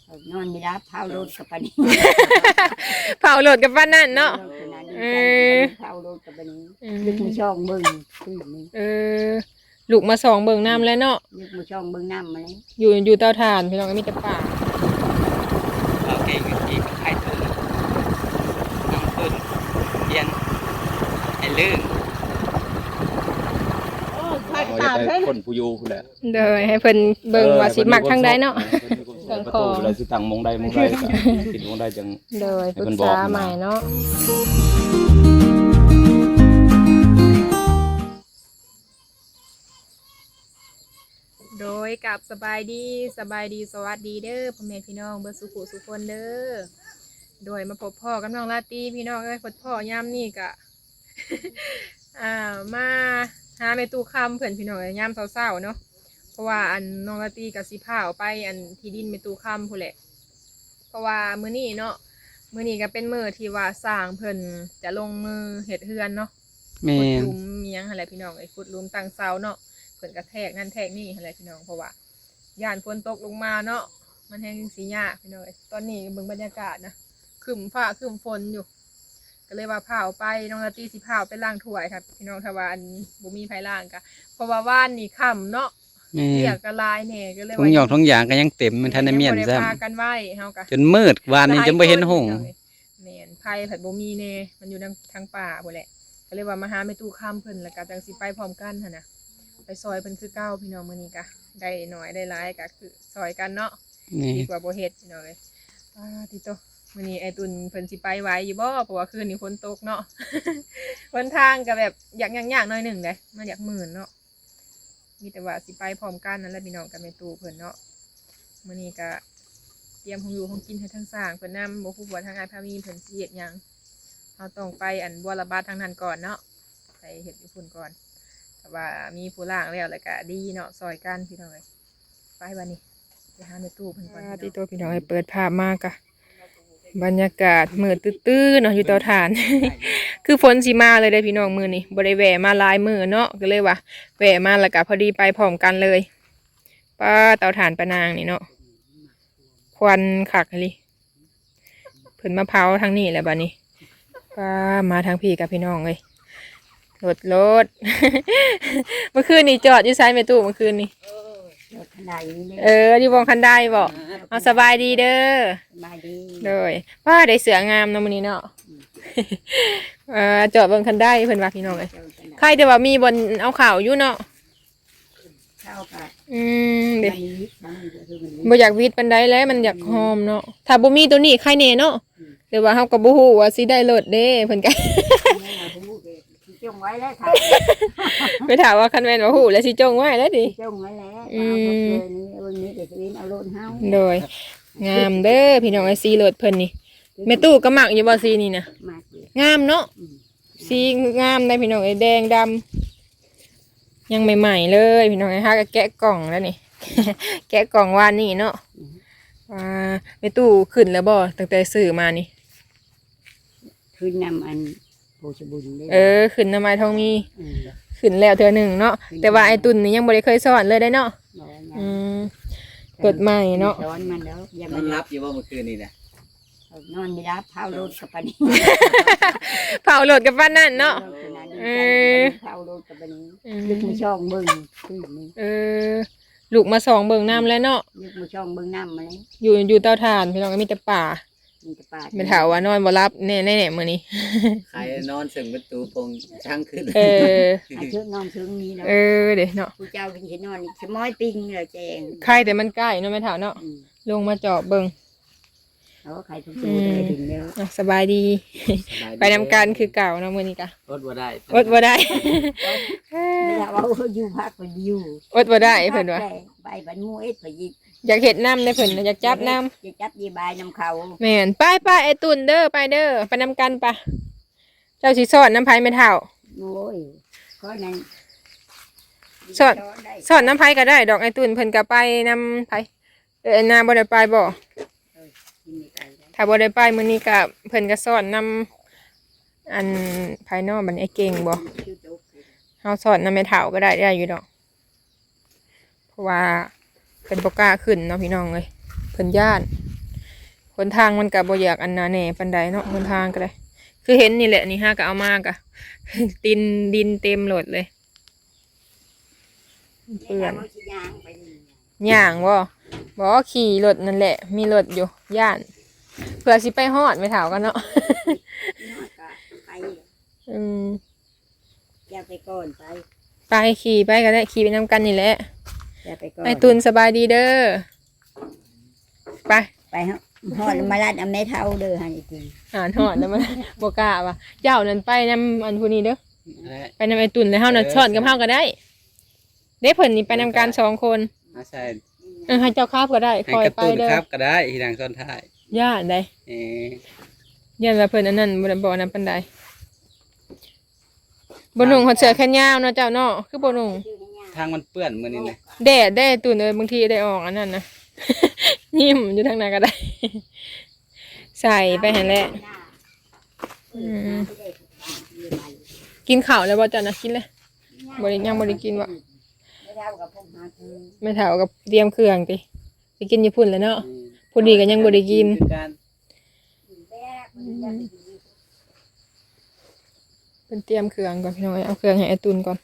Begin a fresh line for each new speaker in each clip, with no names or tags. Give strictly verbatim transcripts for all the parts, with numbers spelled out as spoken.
นอนไม่รับเผาโลดกับปานนี้
เผาโหลดกับบ้านนั่นเนาะ
เออเผาโลดกับปานนี้ลึกมือช่องเบิ่งขึ้นนี่
เออลูกมาสองเบิ่งน้ำแล้วเนาะ
ลึกมือช่องเบิ่งน้ำมาเลย
อยู่อยู่เตาถ่านพี่น้องก็มีแต่ป่า
เราเก่งอีกไข่ตุนน้ำตุนเย็นไอ้ลื่น
ตามเพิ่น
คนผู้อยู่แหละ
เด้อให้เพิ่นเบิ่งว่าสิมักทางใดเนาะ
ตั้งคอเลยสิตั้งมงใดมงใดติดมงใดจัง
เด้อปรึกษาใหม่เนาะโดยกับสบายดีสบายดีสวัสดีเด้อพ่อแม่พี่น้องเบิดสุขุสุขคนเด้อโดยมาพบพ่อกับน้องลาตีพี่น้องเอ้ยพบพ่อยามนี่กะ อ่ามาหาแม่ตู้คำเพื่อนพี่น้องยามเศร้าๆเนาะเพราะว่าอันน้องลาตีกับสิพาออกไปอันที่ดินแม่ตู้คำพู้นแหละเพราะว่ามื้อนี้เนาะมื้อนี้ก็เป็นมื้อที่ว่าสร้างเพิ่นจะลงมือเฮ็ดเฮือนเนาะขุดหลุมเมียงอะไรพี่น้องไอ้ขุดหลุมตั้งเสาเนาะเพิ่นกระแทกนั่นแทกนี่อะไรพี่น้องเพราะว่าย่านฝนตกลงมาเนาะมันแห้งสีหญ้าพี่น้องตอนนี้เบิ่งบรรยากาศนะครึ้มฟ้าครึ้มฝนอยู่ก็เลยว่าพาไปน้องลาตีสิพาไปล้างถ้วยครับพี่น้องทวารบุมีไผล้างกะเพราะว่าว่านนี่ค่ำเนาะเรียกกระลายแน่ก็เลย
ท้องหยอกท้องอย่างก็ยังเต็มมันทันได้เมียนซ้
ำกันไว้เฮากะ
จนมืดวานนี้จนไม่เห็นหง
แม่นไผผัดบุมีเน่มันอยู่ทางป่าพุ่นแหละก็เลยว่ามาหาแม่ตู้ค่ำเพิ่นแล้วก็จังสิไปพร้อมกันหั่นน่ะไปซอยเพิ่นคือเก้าพี่น้องมื้อนี้กะได้น้อยได้หลายก็คือซอยกันเนาะดีกว่าบ่เฮ็ดพี่น้องเอ้ยอ่าติโตมื้อนี้ไอ้ตุนเพิ่นสิไปไหวอยู่บ่เพราะว่าคืนนี้ฝนตกเนาะ หนทางก็แบบอยากยากๆหน่อยหนึ่งเด้มันอยากหมื่นเนาะมีแต่ว่าสิไปพร้อมกันนั่นแหละพี่น้องกันแม่ตู้เพิ่นเนาะมื้อนี้ก็เตรียมของอยู่ของกินให้ทั้งสร้างเพิ่นนำบ่ฮู้ว่าทางอ้ายพามีเพิ่นสิเฮ็ดหยังเฮาต้องไปอันบัวระบาดทางนั้นก่อนเนาะไปเฮ็ดอยู่พุ่นก่อนแต่ว่ามีผู้ล่างแล้วแล้วก็ดีเนาะซอยกันพี่น้องเอ้ยไปวันนี้ไปหาแม่ตู้เพิ่นก่อนที่ตัวพี่น้องให้เปิดภาพมากะบรรยากาศมืดตื้อๆเนาะอยู่เตาถ่าน คือฝนสีมาเลยได้พี่น้องมือนี่บริแวะมาลายมือเนาะก็เลยว่าแวะมาแล้วก็พอดีไปพร้อมกันเลยป้าเตาถ่านปะนางนี่เนาะควันขักเลยเพิ่นมะพร้าวทางนี้แหละบ้านี้ป้ามาทางพี่กับพี่น้องเลยรถรถ เมื่อคืนนี่จอดอยู่ซ้ายแม่ตู้เมื่อคืนนี่เอออยู่วงคันได้บอกเอาสบายดีเด้อสบายดีเลยว่าได้เสืองามเนาะมื้อนี้เนาะอ่าจอดบนคันได้เพิ่นว่าพี่น้องเอ้ยใครแต่ว่ามีบนเอาข่าวอยู่เนาะอืมเด้บ่อยากวิดปานใดแล้วมันอยากหอมเนาะถ้าบ่มีตัวนี้ใครแน่เนาะแต่ว่าเฮาก็บ่ฮู้ว่าสิได้รถเด้เพิ่นก็
จงไว้แล้วค่ะ
ไปถามว่าคันแม่นว่าฮู้แล้วสิจงไว้แล้วดิ
จงไว้แล้วอืมวันนี้เดี๋ยวสิเอารถเฮา
โดยงามเด้อพี่น้องไอ้สีรถเพิ่นนี่แม่ตู้ก็มักอยู่บ่สีนี่นะงามเนาะสีงามได้พี่น้องไอ้แดงดำยังใหม่ๆเลยพี่น้องไอ้ฮะก็แกะกล่องแล้วนี่ แกะกล่องวานนี่เนาะว่าแม่ตู้ขึ้นแล้วบ่ตั้งแต่ซื้อมานี่
ขึ้นนำอัน
เออขึ้นน้ำไม้ทองมีขึ้นแล้วเธอหนึ่งเนาะแต่ว่าไอ้ตุนนี่ยังบ่ได้เคยสอนเลยได้เนาะอืมเกิดใหม่เนาะ
สอนมันแล้ว
ยังมันรับอยู่ว่าเมื่อคืนนี่นะ
นอนไม่รับเผาโลดกับปานนี้
เผาโหลดกับบ้านนั่นเนาะ
เออเผาโลดกับปานนี้ลึกมือช่องเบิ่งขึ้นนี่
เออลูกมาสองเบิ่งน้ำแล้วเนาะ
ลึกมือช่องเบิ่งน้ำมาเลย
อยู่อยู่เตาถ่านพี่น้องก็มีแต่ป่าไม่ถามว่านอนบ่รับแน่แน่มื้อนี้
ใครนอนสึงประตูปงช่างขึ้น
เออ
เชิงนอนเชิงนี้เนาะ
เออเด้เนาะ
ผู้เจ้าเป็นสินอนสมอยปิงเลยแจง
ใครแต่มันใกล้เนาะแม่ถามเนาะลงมาเจาะเบิ่ง
เออใครทุกตัวเลยถึงแล้ว
สบายดีไปนำกันคือเก่าเนาะมื้อนี้กะ
อดบ่ได้
อดบ่ได้
ไม่ได้ว่าอยู่พักไปอยู่
อดบ่ได้เพิ่นว่า
ไปบันมูเอ็ดไปยิ
อยากเห็ดน้ำในเพิ่นอยากจับน้
ำอยากจับยีบายน้ำเขา
แม่นไปไปไอตุนเด้อไปเด้อไปนำกันปะเจ้าสิสอนน้ำไผ่ไม่เท่า
โอ้ยก็นั่น
สอนสอนน้ำไผ่ก็ได้ดอกไอตุนเพิ่นก็ไปนำไผ่เออนาบ่ได้ไปบ่ถ้าบ่ได้ไปมื้อนี้ก็เพิ่นก็สอนนำอันภายนอกบัดไอเก่งบ่เฮาสอนน้ำไม่เท่าก็ได้ได้อยู่ดอกเพราะว่าเพิ่นบ่กล้าขึ้นเนาะพี่น้องเอ้ยเพิ่นย่านหนทางมันก็บ่อยากอันนาแหน่ปานใดเนาะหนทางก็ได้คือเห็นนี่แหละนี่ฮะก็เอามากะ ดินดินเต็มโหลดเลยเปื้อนย่างบ่บ่ขี่รถนั่นแหละมีรถอยู่ย่านเผื่อสิไปฮอดไม่เท่ากันเนาะ
ไป
อืม
อย่าไปก่อนไป
ไปขี่ไปก็ได้ขี่ไปนำกันนี่แหละ
อย่าไปก่อน
ไอ้ตุนสบายดีเด้อไป
ไปฮะฮอดมาลาดอำเมเท่าเด้อหันอีกที
อ่านฮอดแล้วมัน บ่กล้าว่ะเจ้านั่นไปนำอันผู้นี้เด้อ
และ
ไปนำไอ้ตุนแล้วเฮาน่ะสอนกับเฮาก็ได้เด้เพิ่นนี่ไปนำกันสองคน
อาใส่
เออให้เจ้าคาบก็ได้
ให้
คอย
กระ
ไป
ตุ้น
เด้อ
ครับก็ได้ที่ทางซ้อนท้าย
ย่าได้
เอ๊ะ
ย่านว่าเพิ่นอันนั้นบ่ได้บอกอันนั้นปานใดบ่นุ่งฮอดเสื้อแขนยาวเนาะเจ้าเนาะคือบ่นุ่ง
ทางมันเปื้อนมื้อนี้นะ
แดดได้ตุนเอ้ยบางทีได้ออกอันนั้นนะ ยิ้มอยู่ทางไหนก็ได้ ใส่ไปหั่นแหละอืมกินข้าวแล้วบ่จ้ะนะกินเลยบ่ได้ยังบ่ได้กินบ่
ไม่เท่ากับพวกหาคือ
ไม่เท่ากับเตรียมเครื่องติไปกินญี่ปุ่นแล้วเนาะผู้ดีก็ยังบ่ได้กิน
คือการ
แรกมันจะไปกิน
เป็นเตรียมเครื่องก่อนพี่น้องเอาเครื่องให้ไอ้ตุนก่อน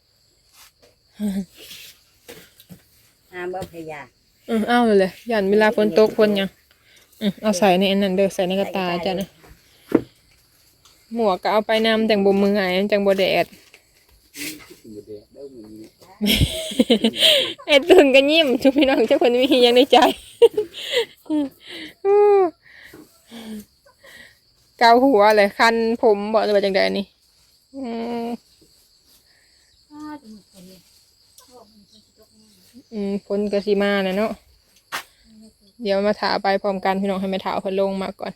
หาบ่พยา
อือเอาเลยเลยย่านเวลาฝนตกฝนหยังอือเอาใส่ในอันนั้นเด้อใส่ในกระตาจ้ะนะหมวกก็เอาไปนำจังบ่มือหายจังบ่แดด ไอ้ตุนก็ยิ้มทุกพี่น้องเจ้าคนมีหยังในใจ เกาหัวเลยคันผมบอกจะไปจังใดนี่อืมอืมฝนกระสีมาน่ะเนาะเดี๋ยวมาถาไปพร้อมกันพี่น้องให้แม่ถาเพิ่นลงมาก่อน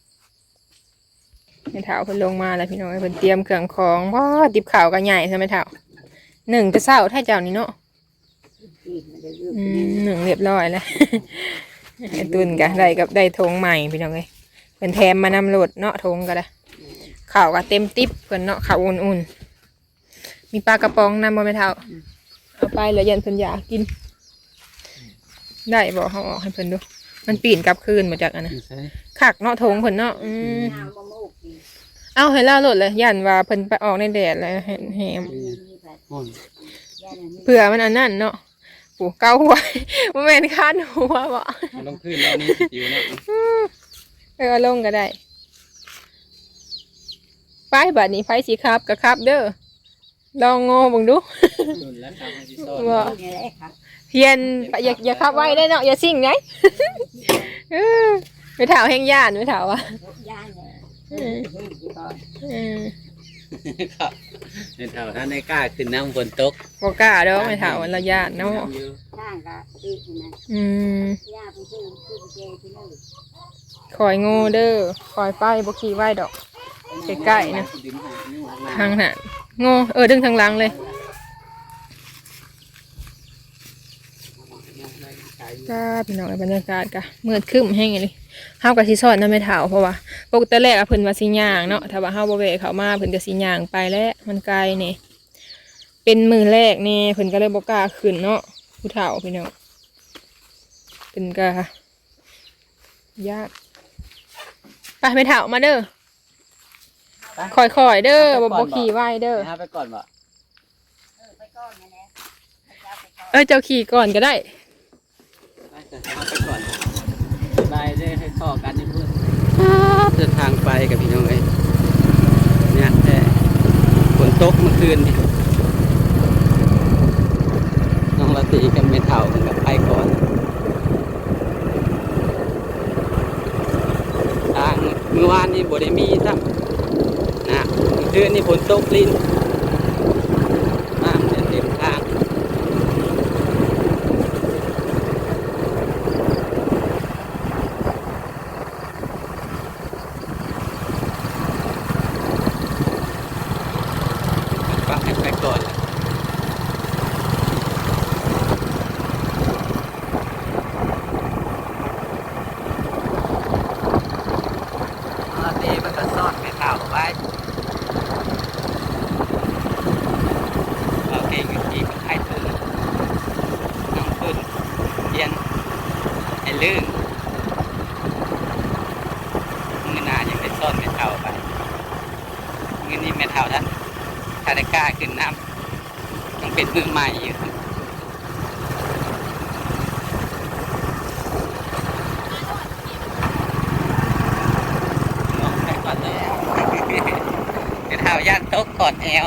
แม่ถาเพิ่นลงมาแล้วพี่น้องให้เพิ่นเตรียมเครื่องของว้าติบข่าวกันใหญ่ใช่ไหมถาหนึ่งจะเศร้าถ้าเจ้านี่เนาะ
อีกมันจะยืด
อืมหนึ่งเรียบร้อยแล้ว ไอ้ตุนกะได้กับได้ธงใหม่พี่น้องเอ้ยเพิ่นแถมมานำโหลดเนาะธงก็ได้ข้าวก็เต็มติ๊บเพิ่นเนาะข้าวอุ่นๆมีปลากระป๋องนำบ่แม่เฒ่าเอาไปแล้วยันเพิ่นอยากกิน ได้บ่เฮาออกให้เพิ่นดูมันปีนกลับคืนมาจากอันน่ะ
ใช่
คักเนาะธงเพิ่นเนาะอืม
น้ำมะม่วงกิน
เอาให้ล่าโหลดเลยยันว่าเพิ่นไปออกในแดดแล้วแหม
มีแบบ
ห้อน
ย่านนี้
เผื่อมันอันนั้นเนาะปู่เกาหัว บ่แม่นคาดหัวบ่
มันต้องขึ้นแล้วนี่สิจิวเนาะ
เออเอาลงก็ได้ไปบัดนี้ไฟสีครับกับครับเด้อลองโง่เบิ่งดู
ตุนแล้วทำให้สิซ้อน
ว่า
นี่แหละครับ
เพียนอย่าอย่าขับไว้ได้เนาะอย่าซิ่งไง เออไม่ถาวแห้งย่านไม่ถาวอ่ะ
ย่านเนี่ย
อืม
เฮ้ยกี่ก่อน
อืม
ครับในแถวท่านในกล้าขึ้นน้ำฝนตก
บ่กล้าดอกไม่ถาวละย่านเนาะ
ข้างก็ตีนะ
อืม
ย่าไปซื้อซื้อไปเจที่นู่น
คอยโง่เด้อคอยไปบ่ขี่ไว้ดอกใกล้ๆนะทางนั้นโง่เออดึงทางหลังเลยจ้าพี่น้องบรรยากาศกะมืดครึ้มแห้งเลยเฮากับสิสอนนำไม่เท่าเพราะว่าปกติแรกอะเพิ่นว่าสิย่างเนาะถ้าว่าเฮาบ่แวะเข้ามาเพิ่นก็สิย่างไปแล้วมันไกลนี่เป็นมื้อแรกนี่เพิ่นก็เลยบ่กล้าขึ้นเนาะผู้เฒ่าพี่น้องเพิ่นก็ยากไปไม่เฒ่ามาเด้อค่อยๆเด้อบ่บ่ขี่ไว้เด้อ
ไปหาไปก่อนบ่
เออไปก่อนนะเนี่ยให้เจ้าไปก่อน
เอ้ยเจ้าขี่ก่อนก็ได้
ไปเถอะหาไปก่อนไปได้ให้ข้อกันที่พูดเดินทางไปกับพี่น้องเอ้ยเนี่ยแต่ฝนตกเมื่อคืนนี่น้องละตีกันไม่เท่ากันกับไปก่อนทางเมื่อวานนี่บ่ได้มีซ้ำนะเมื่อคืนนี่ฝนตกลิ้นน้ำเนี่ยเต็มทางก็ให้ไปก่อนแหละอ๋อตีมันก็ซ่อนไม่เท่าไปาไปเงินนี่แม่เท่าท่านถ้าได้กล้าขึ้นน้ำต้องเป็นมือใหม่อยู่ลงไปก่อนแล้วแม่เท่าย่านตกกอดแอว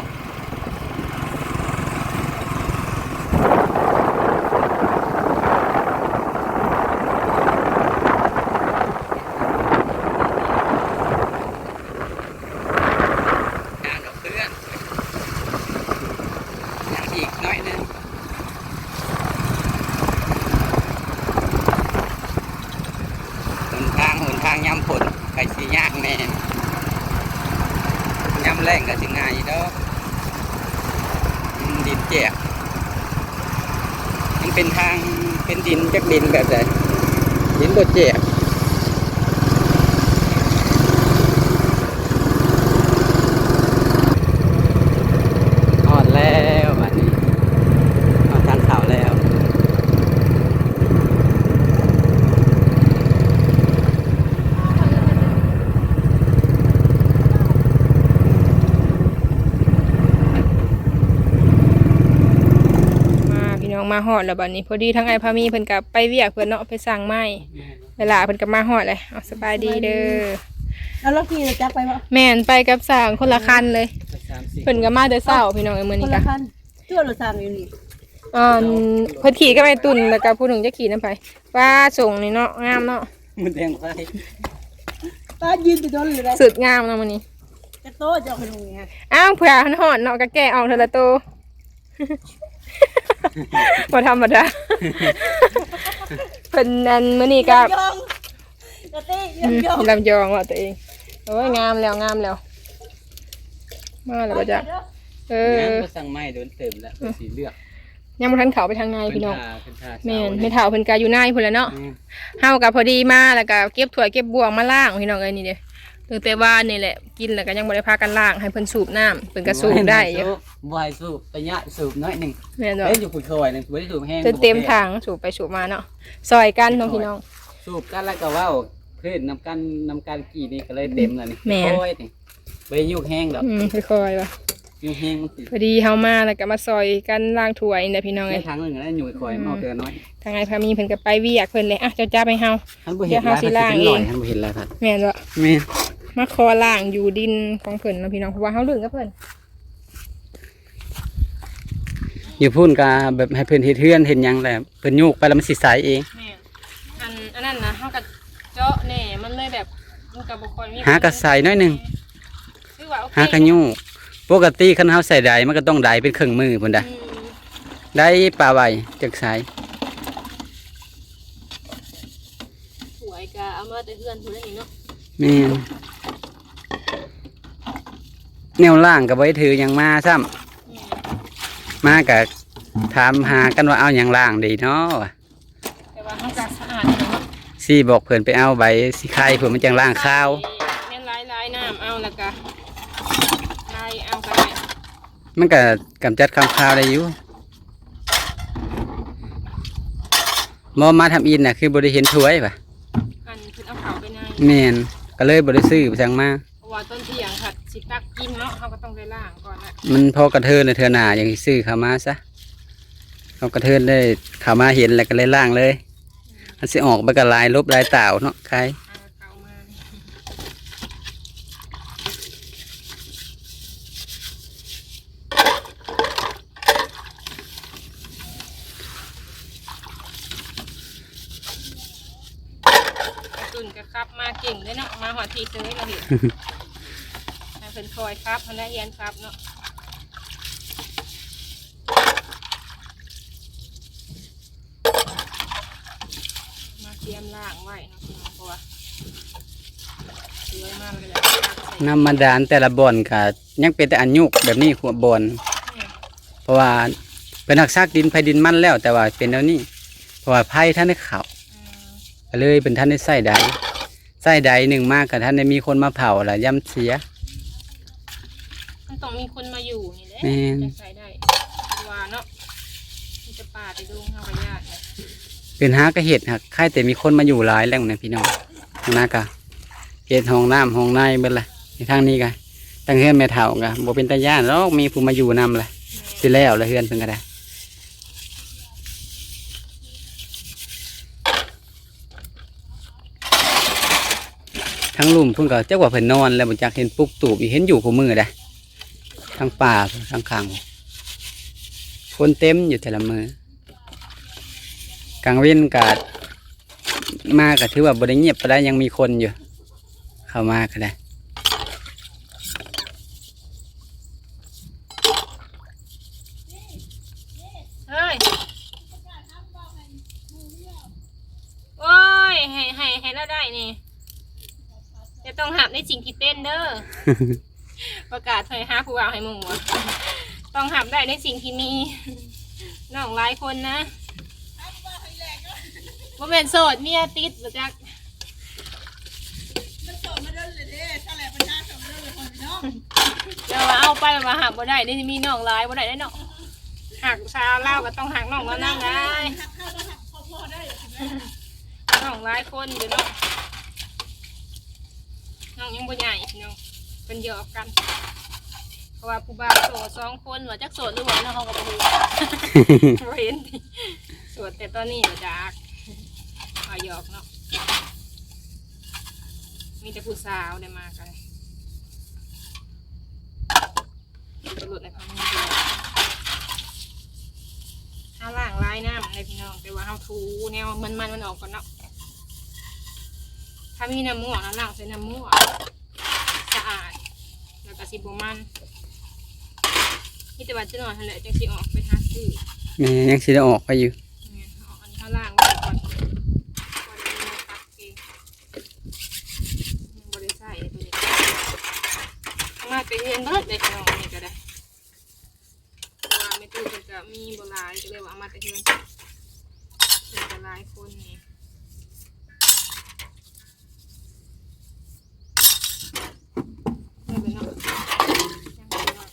ยำผลไก่สีย่างแน่ยำแรงก็สิง่ายเด้อดินแจกมันเป็นทางเป็นดินจากดินแบบไหนดินบดแจกออดแล้วบัดนี้ออดทางเขาแล้ว
มาหอดแล้วบัดนี้พอดีทั้งไอ้พามีเพิ่นกับไปเวียกเพิ่นเนาะไปสั่งไม้เวลาเพิ่นกับมาหอดเลยเอาสบายดีเด้อ
แล้วรถขี่จักไปบ่
แม่นไปกับสั่งคนละคันเลยเพิ่นก็มาแต่เช้าพี่น้องไอ้มื้อนี้กะ
ชั่วรถสั่งอยู่นี่
อ่าเพิ่นขี่ก็ไปตุ่นแล้วก็ผู้หนึงจะขี่นำไปว่าส่งนี่เนาะงามเนาะ
มันแดงไฟ
ป้ายืนอยู่ตรงนี้เลย
สุดงามเนาะมื้อนี้
กระโตจะเอาไปลงไง
อ้าวเผื่อหอดเนาะก็แก้ออกเทอละโตบ่ธรรมดาเพิ่นอันมื้อนี้ก็ลำยองว่าตัวเองโอ้ยงามแล้วงามแล้วมาแล้วบ่จ๊ะเออ
ก็สั่งไม้โดนเต็มแล้วสีเลือก
ยังบ่ทันเข้าไปทางในพี่น้องแม่นไม่เฒ่าเพิ่นก็อยู่ในพุ่นแหละเนาะเฮาก็พอดีมาแล้วก็เก็บถ้วยเก็บบ่วงมาล้างพี่น้องเอ้ยนี่เด้ตั้งแต่ว่านี่แหละกินแล้วก็ยังบ่ได้พากันล้างให้เพิ่นสูบน้ำเพิ่นก็สูบได้อยู่
บ่ให้สูบระยะสูบน้อยนึง
แม่นบ่
เอ้ยอยู่คุยคอยนึงบ่ได้สูบแห้ง
จนเต็มถังสูบไปสูบมาเนาะซอยกันน้องพี่น้อง
สูบกันแล้วก็เว้าขึ้นนำกันนำกันกี่นี่ก็เลยเต็มแล้วนี่ค่อยนี่บ่ได้ยุกแห้งดอก
อืมค่อยๆว่ะ
ยุกแห้งมันสิ
พอดีเฮามาแล้วก็มาซอยกันล้างถ้วยนี่พี่น้องเอ้ย
ทางนึงแล้วอยู่คอยเอาเกินน้อย
ทางไอ้พามีเพิ่นก็ไปเวียกเพิ่นเลยอ่ะเจ้าจ้าไปเฮา
เดี๋ยวเฮาสิล้างเองท่านบ่เห็นแล้วครับ
แม่นบ่
แม่น
มาคอล่างอยู่ดินของเพิ่นนะพี่น้องเพราะว่าเฮาเลื่อนกับเพิ่น
อยู่พุ่นก็แบบให้เพิ่นเฮ็ดเฮือนเฮ็ดหยังแหละเพิ่นโยกไปแล้วมันสิสายเอง
แม่อันอันนั้นนะเฮาก็เจาะแหน่มันเลยแบบมันก็บ่ค่อยมี
หากระใส่น้อยนึง
คือว่าโอเค
หากระโยกปกติคันเฮาใส่ใดมันก็ต้องใดเป็นเครื่องมือพุ่นดะได้ปลาไว้จักสาย
สวยก็เอามาแต่เฮือนพุ่นนี่เนาะ
แม่นแนวล่างกับไว้ถืออย่างมาซ้ำมากับถามหากันว่าเอาอย่างล่างดีเนาะ
แต่ว่ามันจะสะอาดเนาะ
ซี่บอกเพื่อนไปเอาใบสีไข่เพื่อนมันจังล่างข้าว
แม่นลายลายน้ำเอาแล้วก็ลายเอาก็ได้
มันก็กำจัดคำข้าวได้อยู่มอมาทำอินน่ะคือบริเห็นถ้วยป่ะ
อันคือเอาเขาไปใน
แม่นก็เลยบริซื้อไปสั่งมา
ว่าต้นเทียงค่ะสิตักกินเนาะเขาก็ต้องได้ล่างก่อน
นะมันพอกระเทินในเทือหนาอย่างซื้อขามาซะเขากระเทินได้ขามาเห็นแล้วก็เลยล่างเลยมันสิออกไปกับลายลบลายเต่าเนาะใคร
ตุนก็ครับมาเก่งเลยเนาะมาหอดทีซื้อเราเห็นเป็นคอยครับพนักงานครับเนาะมาเตรียมล่างไว้นะคุณพ่อสวยมากเลย
น้ำมันดานแต่ละบ่อนค่ะยังเป็นแต่อันยุกแบบนี้หัวบ่อนเพราะว่าเป็นหักซากดินไผ่ดินมันแล้วแต่ว่าเป็นแล้วนี่เพราะว่าไผ่ท่านได้ข่าวก็เลยเป็นท่านได้ใส่ใดใส่ใดหนึ่งมากกับท่านได้มีคนมาเผาละย่ำเสีย
มันต้องมีคนมาอยู่นี่แหละจะใส่ได้ว่าเนาะมันจะป่าไปดูข้าวญาติ
เป็นหากระเห็ดหักค่ายแต่มีคนมาอยู่หลายแล้วนะพี่น้องนะกะเห็ดห้องน้ำห้องในเป็นไรในทางนี้ก็ตั้งเฮือนแม่เฒ่าก็บ่เป็นตาย่านหรอกมีผู้มาอยู่นำแหละสิแล้วแล้วเฮือนเพิ่นก็ได้ทั้งลุมเพิ่นก็จักว่าเพิ่นนอนแล้วบ่จักเห็นปลุกตูบอีกเห็นอยู่คู่มือได้ทั้งป่าทั้งข้างคนเต็มอยู่แต่ละมือกลางเว้นก็มาก็ถือว่าบ่ได้เงียบปานใดยังมีคนอยู่เข้ามาก็ได้
เฮ้ยโอ้ยให้ให้ให้เราได้นี่จะต้องหับในสิ่งที่เต้นเด้อ ประกาศให้หาผู้เอาให้หมู่อะต้องหับได้ในสิ่งที่มีน้องหลายคนนะว่าเป็นโสดเมียติดบ่จักเดี๋ยวว่าเอาไปมาหักบ่ได้นี่มีน้องหลายบ่ได้ได้เนาะหักชาวเล่าก็ต้องหักน้องแล้วนั่งได้น้องหลายคนเดี๋ยวเนาะน้องยังบ่ใหญ่พี่น้องเป็นหยอกกันเพราะว่าผู้บ่าวโสดสองคนว่าจักโสดหรือว่าน้องเขาก็บ่รู้ บ่เห็นโสดแต่ตอนนี้บ่จักเอาหยอกเนาะมีแต่ผู้สาวได้มากันตำรวจในพังนี้ห้าล่างลายน้ำในพี่น้องแต่ว่าเฮาทูแนวมันมันมันออกก่อนเนาะถ้ามีน้ำมูกน้ำล่างใส่น้ำมูกสะอาดแล้วก็สิบมันนี่แต่ว่าจะนอนทันแหละจังสิออกไปหาซื้อ
แม่ยังสิได้ออกไปอยู่
เนี่ยเอาอันนี้ข้างล่างไว้ก่อนก่อนจะมาตักเองยังบริใส่ตัวนี้ข้างหน้าไปเรียนเบิดเลยพี่น้องนี่ก็ได้เพราะว่าไม่ตู้จะจะมีโบราณก็เลยว่าเอามาแต่เรียนเป็นโบราณคนนี่ไม่เป็นเนาะยังเป็นเนาะ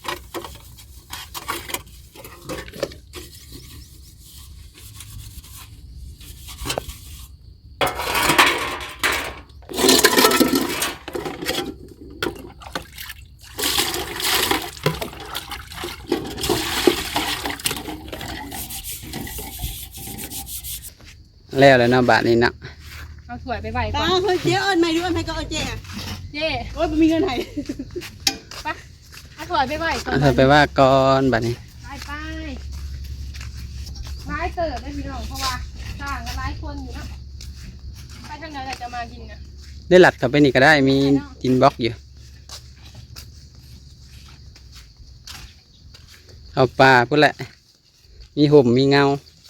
แล้วแล้วเนาะบาทนี้เนาะ
เอาถ้วยไปไหวก่
ตา
อน
เฮ้ยเจ๊เอิญไม่รู้เอิญไม่ก็เอิญเจ๊อะ
เจ๊
โอ้ยไม่มีเงินไหน
ปะเอาถ้วยไปไหวก่อน
เอาเธอไปว่าก่อนบาทนี้
ไปไปร้ายเติบได้พี่น้องเพราะว่าสร้างกันหลายคนอยู่นะไปทางไหนเราจะมากินนะ
ได้หลัดเข้าไปนี่ก็ได้มีกินบล็อกอยู่เอาปลาพุ่นแหละมีห่มมีเงา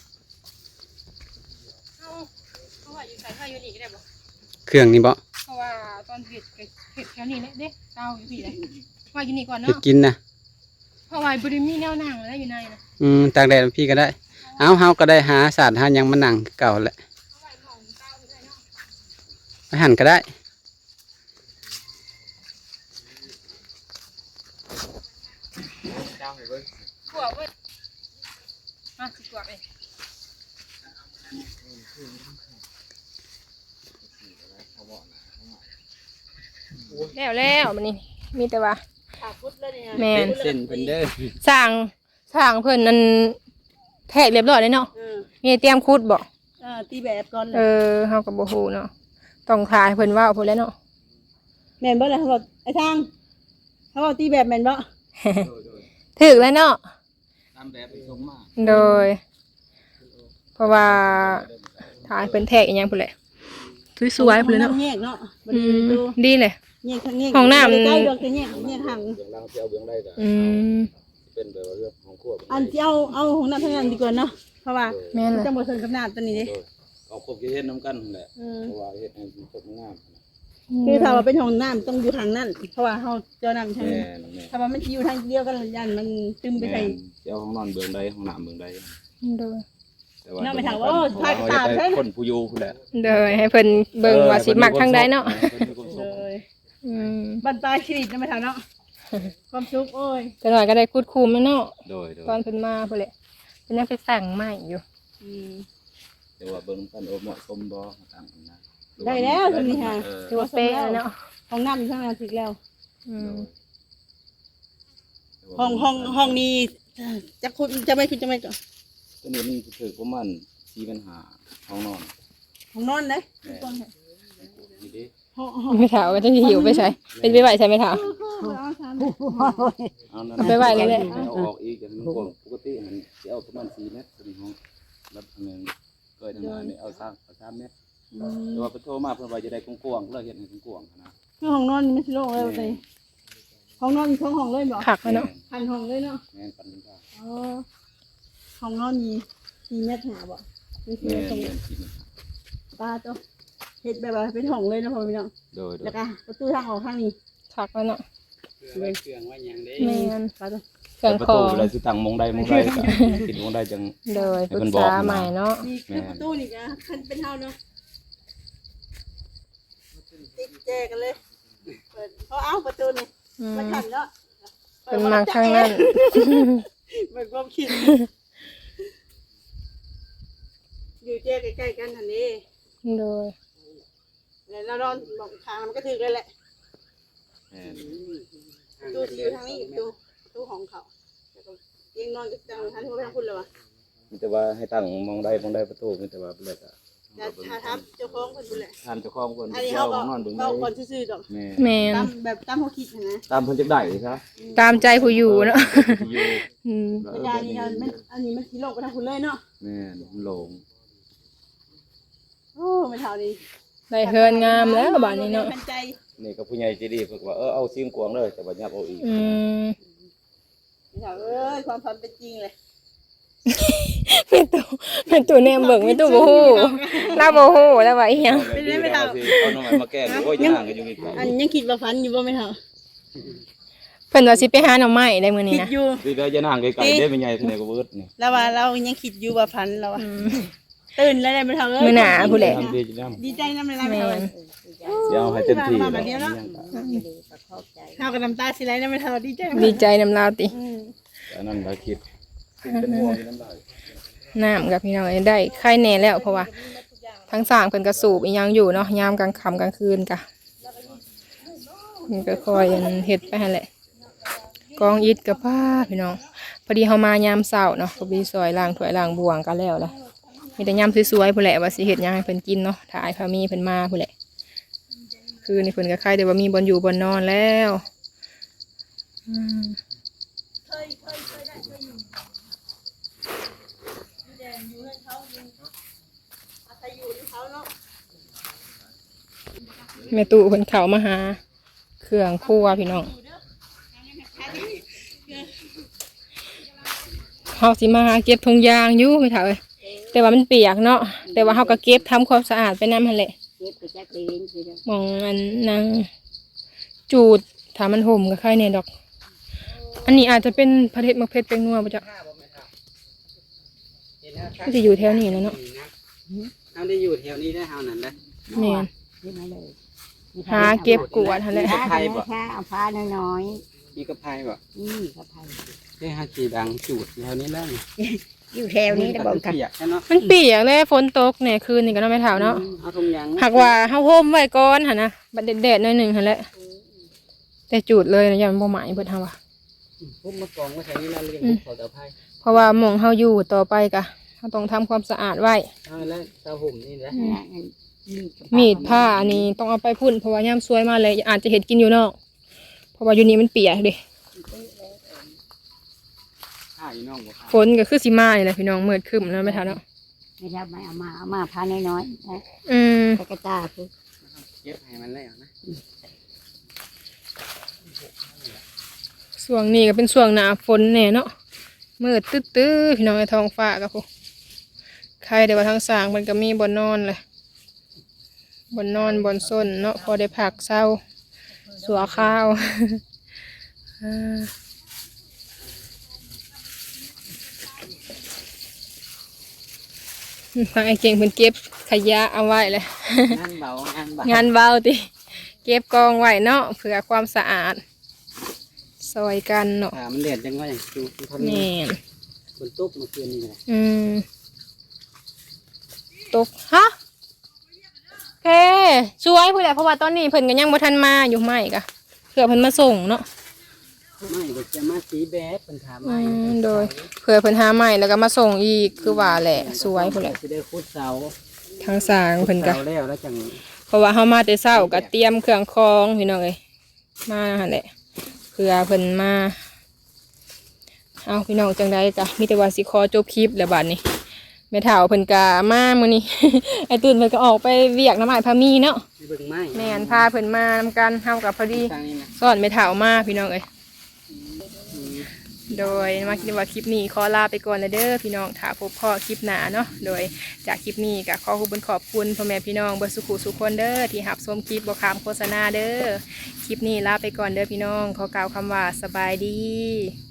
เอาเพราะว่าอยู่ใส่ข้าวอยู่นี่ก็ได้บ่
เครื่องนี่บ่
เพราะว่าตอนเผ็ดก็เผ็ดแค่นี้แหละเด้เตาอยู่พี่เลยว่าอยู่นี่ก่อน
ไป
เนาะ
กินนะ
เพราะว่าบริมีแนวนั่งแล้วอยู่ในนะ
อืมตากแดดพี่ก็ได้เอาเฮาก็ได้หาสารหาหยังมานั่งเก่าแหละ
เอาไว้หม้องเตาอยู่ได้เนาะ
ไปหั่นก็ได้
ขวบเว้ยมาสิขวบเองแล้วแล้วมันนี่มีแต่ว่า
ขาพุดเลยเนี่ย
แมน
เส้นเพิ่นเด้อ
สร้างสร้างเพิ่นนั่นแทกเรียบร้อยเลยเนาะ
เออ
มีเตรียมคุดบ่
เออตีแบบก่อนเล
เอย อเฮาก็บ่ฮู้เนาะต้องทายเพิ่นเว้าพุ่นแหล้วเนาะ
แม่นบ่ล่ะเขาบอกไอ้ทางเขาบอกตีแบบแม่นบ่
ถึกแล้วเนาะ
ตามแบบไปส่งมา
โดย เพราะว่าทายเพิ่นแทกอีหยังพุ่นแหละสวยๆพุ่นเลยเนาะ
แยกเนาะบ่
อื
ดี
ม
ดู
ดีเลย
แยกทางแยก
ห้องน้ำ
บ่ได้ใกล้ดอกแต่แยกแยกห่าง
เบื้องล่างที่เอาเบื้องได้ก็
อืม
เป็นแบบว่าเรื่องของครัว
อันที่เอาเอาของน้ำทางนั้นดีกว่าเนาะเพราะว่า
แม่น
มัน
เลย
จะบ่สนกับน้ำตัวนี้เด้
โดยเอาครบที่เฮ็ดน้ำกันนั่นแหละ
เออ
เพราะว่าเฮ็ดให้มันครบงาม
คือถ้าว่าเป็นห้องน้ำต้องอยู่ทางนั้นเพราะว่าเฮาเจ้าน้ำทาง
แม่
นี้
นแม่น
ถ้าว่ามันสิอยู่ทางเดียวกันยันมันตึมไปใส่
แม่นเจ้าห้องนอนเบื้องใดห้องน้ำเบื้องใด
โดย
แต่ว่า
น้าไปถามว่าโอ้พาไปตามใช่
คนผู้อยู่ผู้แหละ
โดยให้เพิ่นเบิ่งว่าสิมักทางใดเนาะ
เลย
อืม
บันปลายชีวิตนะไปถามเนาะความสุขโอ้ย
แต่หน่อยก็ได้คุดคุมแล้วเนาะ
โดยโดย
ตอนเพิ่นมาพุ่นแหละเพิ่นยังไปสั่งใหม่อยู่
อืม
แต่ว่าเบิ่งกันโอ้เหมาะสมบ่ต่างกันนะ
ได้แล้วตรงนี้ค่ะ
เออ
ถือว่าเป๊ะแล้วเนาะ
ห้องน้ำอยู่ทางนั้นถึกแล้ว
อืม
ห้องห้องห้องนี้จะคุณจะไม่คุณจะไม่ก่อน
ตัวนี้มันถือประมาณสี่ปัญหาห้องนอน
ห้องนอนเลย
นี่ดิ
ห้องห้อง
ไม่ถามว่าจะหิวไปใช้เป็นไปไหวใช่ไหมถาม
เอานั่น
เอาไปไว้เลยแหละ
เอาออกอีกอย่างนึงกว้างปกติมันสิเอาประมาณสี่เมตรตัวนี้ห้องแล้วอันนึงเกิดทำงานนี่เอาสามเอาสามเมตรแต่ว่าไปโทรมาเพื่อว่าจะได้กว้างๆเลยเห็นให้กว้างๆนะ
คือห้องนอนไม่ใช่โล่งเลยเลยห้องนอนท้องห้องเลยบอก
ขักแล้วเนาะ
พันห้องเลยเนาะ
แม่นปันเป็นข้าว
อ๋อห้องนอนมีมีเม็ดหาบ่ไม่ใช่
แม่น
ตรง
แม่นกิน
ตาตัวเฮ็ดแบบว่าเป็นห้องเลยนะพ่อพี่น้อง
โดยโด
แล้
ยว
ก็ประตูทางออกข้างนี้
ขักแล้วเนาะ
ไว้เครื่องไว้หยังเด้
แม่น
ตาตัว
เครื่อง
ประ
คอ
ตูเวลาสิตั้งมองได้มองได้ก็คิดมองได้จัง
โดยปรึก
ให้เพิ่นบอก
ษา
นะ
ใหม่เนาะ
นี่คือประตูนี่ก็คันเป็นเฮาเนาะติดแจกันเลยเปิดเขาเอาประตูนี่
อืม
มาขันเนาะ
เป็นมาข้างนั้น
เหมือนความคิดอยู่แจใกล้ๆกันทันนี้
โดย
แล้วเรานอนบอกทางมันก็ถือกันแหละ
แม่น
ตู้อยู่ทางนี้ตู้ตู้ของเขาแล้วก็ยังนอนกับจังทันที่เขาไปทางคุณเลยวะ
มีแต่ว่าให้ตั้งมองได้มองได้ประตูมีแต่ว่าเลิกอ่ะ
จะทาทับเจ้าของคนดูแล
ทานเจ้าของคน
อันนี้
เจ้า
เขา
ข
ก็
องนอนเบิ่ง
เขา
ได้
คนซื่อๆดอก
แม่
แม่น
ตามแบบตามเขาคิดนะ
ตามเพิ่นจักได้ซะ
ตามใจผู้อยู่เนาะ
อยู่
อืม
อาจารย์นี่มันอันนี้มันสีโลกไปทางคุณเลยเนาะ
แม่นมันโลง
โอ้ไม่เท่านี้
ได้เฮือนงามแล้วบ้านนี้เนาะ
เป็นใจ
นี่ก็ผู้ใหญ่ใจดีเพิ่นก็ว่าเออเอาซิมกวางเลยแต่ว่ายับเอาอีก
อืม
ไม่เท่าเอ้ยความฝันเป็นจริงเลย
เป็นตัวเป็นตัวแนมเบิ่งเป็นตัวบ่ฮู้ลาบ่ฮู้แล้วว่าอีหยัง
ไม่ได้ไม่เอาเอาน้องใหม่มาแก้โอ้ยย่างกันอยู่นี่ไกล
อันยังคิดว่าฝันอยู่บ่ไม่เท่า
เพิ่นว่าสิไปหาหน่อไม้ได้มื้อนี้
คิด
นะ
อยู่
สิได้จะนั่งไกลๆได้เป็นใหญ่ที่ไหนก็เบิดนี่
แล้วว่าเรายังคิดอยู่ว่าฝันเราอะตื่นแล้วได้ไม่เท่าเอ้ย
มื้อหน้าผู้แหละ
ทำดีจัง
ดีใจน้ำลายไม่
แม่
เท่าเลย
น
เดี๋ยวให้เต็มที่
มาแบบเดียวเนาะ เท่ากับน้ำตาสิไหลน้ำไม่เท่าดีใจ
ดีใจนำลาวติ
อืม
อันนั้นเราคิดเป็นห่วงอยู่น้ำลาย
น้ำกับพี่น้องได้ไข่แน่แล้วเพราะว่าทั้งสร้างเพิ่นก็สูบอีหยังอยู่เนาะยามกลางค่ำกลางคืนกะมันก็คอยเฮ็ดไปหั่นแหละกองอิฐกับผ้าพี่น้องพอดีเฮามายามเช้าเนาะก็มีซอยล้างถ้วยล้างบ่วงกันแล้วล่ะมีแต่ยามสวยๆพุ่นแหละว่าสิเฮ็ดหยังให้เพิ่นกินเนาะถ้าอ้ายพามีเพิ่นมาพุ่นแหละคือนี่เพิ่นก็ใครแต่ว่ามีบ่อนอยู่บ่อนนอนแล้วอืมแม่ตู่เพิ่นเข้ามาหาเครื่องครัวพี่น้องเฮาสิมาหาเก็บถุงยางอยู่ไม่เท่าเอ้ยแต่ว่ามันเปียกเนาะแต่ว่าเฮาก็เก็บทำความสะอาดไปนำหั่นแหละ
เก็บไปจักเองสิเด้อ
มองอันนางจูดถ้ามันห่มก็ค่ายในดอก อันนี้อาจจะเป็นพระเทศมะเพชรเป็นนัวปะจ๊ะก็จะอยู่แถวนี้แล้วเนาะ
เฮาได้อยู่แถวนี้ได้เฮานั่นแหละ
แม่น
ขึ้นมาเลย
หาเก็บกวาดหั่นแหละ
ผ้าผ้าเอาผ้าน้อย
มีกระไพบ่
ๆนี่กระไพ
ได้หาสีดังจูดแถวนี้แล้วนี่
อยู่แถวนี้นะบอกกัน
เปียกแค่เนาะ
มันเปียกเลยฝนตกเนี่ยคืนนี่ก็น้องไม่เท่าเนาะ
เอาถุงยาง
หากว่าเฮาห่มไว้ก่อนหั่นนะบัดแดดๆหน่อยหนึงหั่นแหละแต่จูดเลยนะอย่ามันบ่ไหม้เบิดเฮาว่า
พุ่มมากองไว้แถวนี้แล้วเรียกขอตะไพ
เพราะว่าหม่องเฮาอยู่ต่อไปก็เฮาต้องทำความสะอาดไว้
เอาแล้วตาห่มนี่แหละ
มีดผ้าอันนี้ต้องเอาไปพุ่นเพราะว่ายามซวยมาเลยอาจจะเห็ดกินอยู่นอกเพราะว่าอยู่นี่มันเปียกเด้
ผ้าอีน้องบ่ผ้า
ฝนก็คือสิมานี่แหละพี่น้องมืดครึ้มแล้วไม่ทันเนาะ
ไม่ได้ไม่เอามาเอามาผ้าน้อยๆนะ
อืม
แต่กระตาคือ
เก็บให้มันแล้วนะ
ช่วงนี้ก็เป็นช่วงหน้าฝนแน่เนาะมืดตื้อๆพี่น้องในท้องฟ้าก็พวกใครแต่ว่าทางสร้างมันก็มีบ่อนนอนเลยบ่อนนอนบ่อนส้นเนาะพอได้พักเศร้าสัวข้าว อ่าทางไอ้เก่งเพิ่นเก็บขยะเอาไว้เลย
งานเบางานเบาง
านเบาติเก็บกองไว้เนาะเพื่อความสะอาดซอยกันเนาะ
ถ้ามันเดือดจังว่าอย่างจูเท่า
แม่
นี้
น
ฝนตกเมื่อคืนนี่แหละ
อืมตกฮะโอเคช่วยผู้ใหญ่เพราะว่าตอนนี้เพิ่นก็ยังบ่ทันมาอยู่ไหมกะเพื่อเพิ่นมาส่งเนาะ
ไม่เดี๋ยวจะมาสีแบดเป็นถาม
อื
ไม่
มโดยเพื่อเพิ่นหาใหม่แล้วก็มาส่งอีกคือว่าแหละสวยพุ่นแหละ
สิได้ขุดเสา
ทางสร้างเพิ่นก็
เสาแล้วแล้วจัง
เพราะว่าเฮามาแต่เช้าก็เตรียมเครื่องคองพี่น้องเอ้ยมาหั่นแหละเพื่อเพิ่นมาเอาพี่น้องจังไดก็มีแต่ว่าสิขอจบคลิปแล้วบัดนี้แม่เฒ่าเพิ่นก็มามื้อนี้ ไอ้ตื่นเพิ่นก็ออกไปเวียกน้ำอ้ายพามีเนาะ
ไปเบิ่งไม้
แม่นพาเพิ่นมานำกันเฮากับพอดี
ทางนี้นะ
สอนแม่เฒ่ามาพี่น้องเอ้ยโดยมาคิดว่าคลิปนี้ขอลาไปก่อนเลยเด้อพี่น้องถ้าพบพ่อคลิปหน้าเนาะโดยจากคลิปนี้ก็ขอขอบคุณขอบคุณพ่อแม่พี่น้องเบิดสุขุสุขคนเด้อที่รับชมคลิปบ่ขามโฆษณาเด้อคลิปนี้ลาไปก่อนเด้อพี่น้องขอกล่าวคำว่าสบายดี